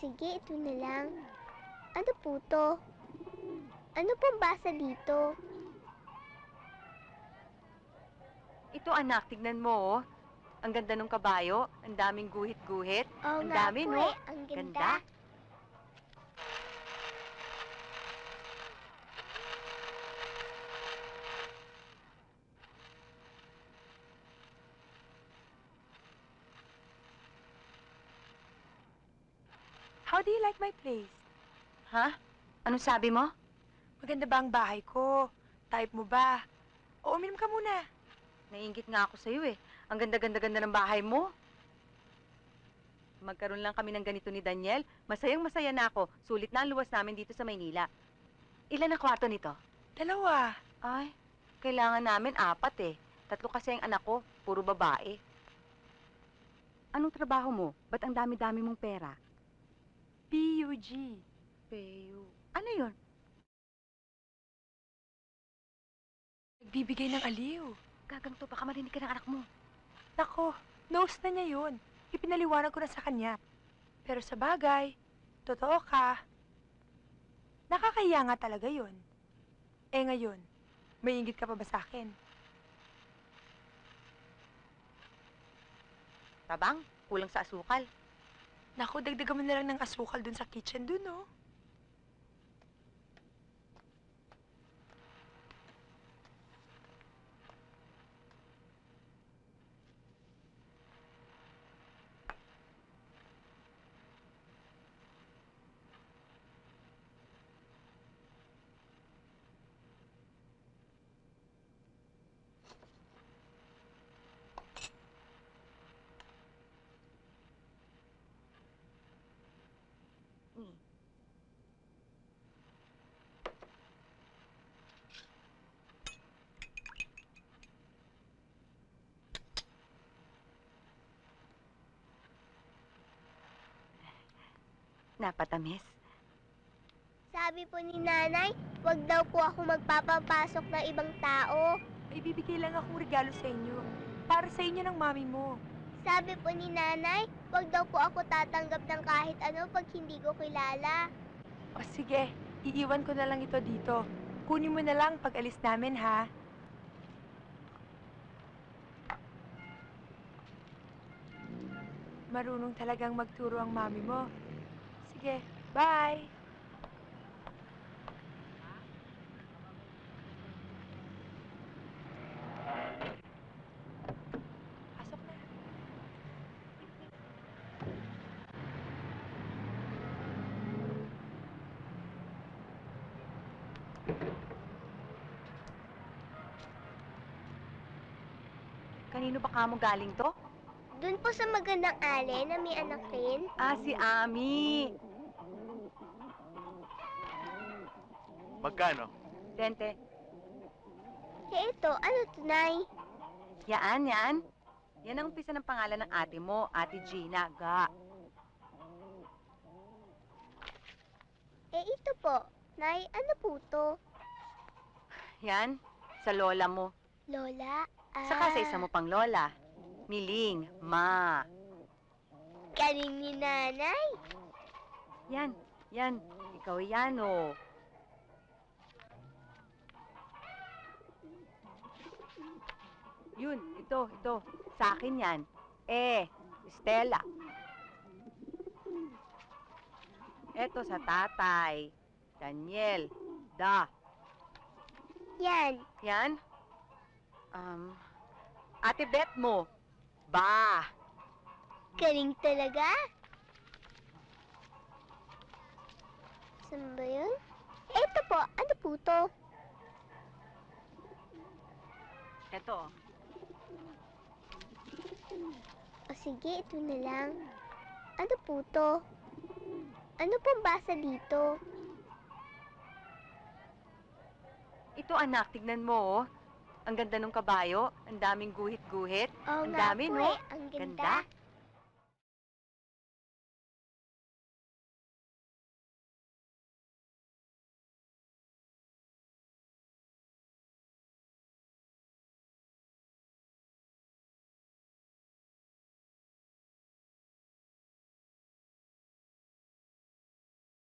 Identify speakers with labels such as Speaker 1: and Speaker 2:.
Speaker 1: sige, ito na lang. Ano po to? Ano pong basa dito?
Speaker 2: Ito anak, tignan mo oh. Ang ganda ng kabayo, ang daming guhit-guhit.
Speaker 1: Oo
Speaker 2: Ang
Speaker 1: nga
Speaker 2: dami,
Speaker 1: po
Speaker 2: no?
Speaker 1: eh, ang ganda.
Speaker 3: How do you like my place?
Speaker 2: Ha? Anong sabi mo?
Speaker 3: Maganda ba ang bahay ko? Type mo ba? O uminom ka muna.
Speaker 2: Naiingit nga ako sa'yo eh. Ang ganda-ganda-ganda ng bahay mo. Magkaroon lang kami ng ganito ni Daniel. Masayang-masaya na ako. Sulit na ang luwas namin dito sa Maynila. Ilan ang kwarto nito?
Speaker 3: 2.
Speaker 2: Ay, kailangan namin 4 eh. 3 kasi ang anak ko, puro babae. Anong trabaho mo? Ba't ang dami-dami mong pera?
Speaker 3: PUG.
Speaker 2: Peyo. Ano yun?
Speaker 3: Nagbibigay ng aliw.
Speaker 2: Gagang to, baka marinig ka ng anak mo.
Speaker 3: Nako, knows na niya yun. Ipinaliwanag ko na sa kanya. Pero sa bagay, totoo ka. Nakakahiya nga talaga yun. Eh ngayon, may inggit ka pa ba sa akin?
Speaker 2: Tabang, kulang sa asukal.
Speaker 3: Naku, dagdagan mo na lang ng asukal dun sa kitchen dun, oh.
Speaker 2: Napatamis.
Speaker 1: Sabi po ni nanay, wag daw po ako magpapapasok ng ibang tao.
Speaker 3: May bibigay lang akong regalo sa inyo. Para sa inyo ng mami mo.
Speaker 1: Sabi po ni nanay, wag daw po ako tatanggap ng kahit ano pag hindi ko kilala.
Speaker 3: O sige, iiwan ko na lang ito dito. Kunin mo na lang pag alis namin, ha? Marunong talagang magturo ang mami mo. Sige, bye! Pasok na.
Speaker 2: Kanino ba kamo galing to?
Speaker 1: Doon po sa magandang ale na may anak rin.
Speaker 2: Ah, si Ami.
Speaker 4: Magkano?
Speaker 2: 20.
Speaker 1: Eh ito, ano to, nay?
Speaker 2: Yan. Yan ang umpisa ng pangalan ng ate mo, Ate Gina. Ga.
Speaker 1: Eh ito po, nay, ano po to?
Speaker 2: Yan, sa lola mo.
Speaker 1: Lola?
Speaker 2: Saka sa isa mo pang lola. Miling, Ma.
Speaker 1: Galing ni nanay.
Speaker 2: Yan. Ikaw yan, oh. Yun, ito. Sa akin yan. Stella. Eto sa tatay. Daniel. Da.
Speaker 1: Yan.
Speaker 2: Yan. Ate Bet mo. Ba.
Speaker 1: Galing talaga. Saan ba yun? Ito po, ano po to?
Speaker 2: Eto.
Speaker 1: O sige, ito na lang. Ano po to? Ano pong basa dito?
Speaker 2: Ito anak, tignan mo oh. Ang ganda ng kabayo, ang daming guhit-guhit.
Speaker 1: Oo
Speaker 2: Ang
Speaker 1: nga
Speaker 2: dami,
Speaker 1: po
Speaker 2: no?
Speaker 1: eh, ang ganda.